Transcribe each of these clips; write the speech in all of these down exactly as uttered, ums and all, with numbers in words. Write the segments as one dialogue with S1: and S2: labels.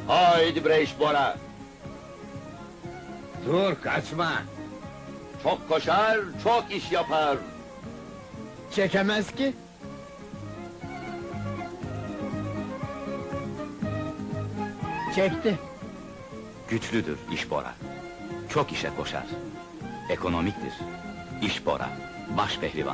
S1: Haydi bre iş Bora!
S2: Dur, kaçma!
S1: Çok koşar, çok iş yapar!
S3: Çekemez ki. Çekti.
S4: Güçlüdür iş Bora. Çok işe koşar. Ekonomiktir. İş Bora. Baş pehlivan.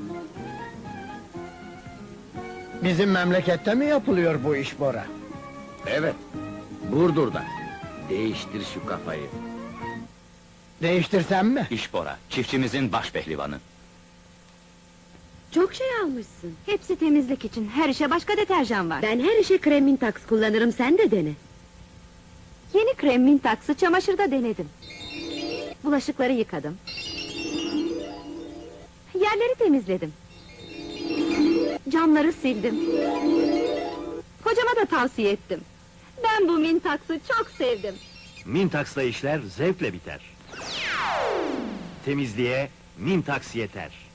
S3: Bizim memlekette mi yapılıyor bu iş Bora?
S2: Evet, Burdur'da. Değiştir şu kafayı.
S3: Değiştirsem mi?
S4: İş Bora. Çiftçimizin baş pehlivanı.
S5: Çok şey almışsın.
S6: Hepsi temizlik için, her işe başka deterjan var.
S5: Ben her işe krem Mintax kullanırım, sen de dene.
S6: Yeni krem Mintax'ı çamaşırda denedim. Bulaşıkları yıkadım. Yerleri temizledim. Camları sildim. Kocama da tavsiye ettim. Ben bu Mintax'ı çok sevdim.
S7: Mintax'la işler zevkle biter. Temizliğe Mintax yeter.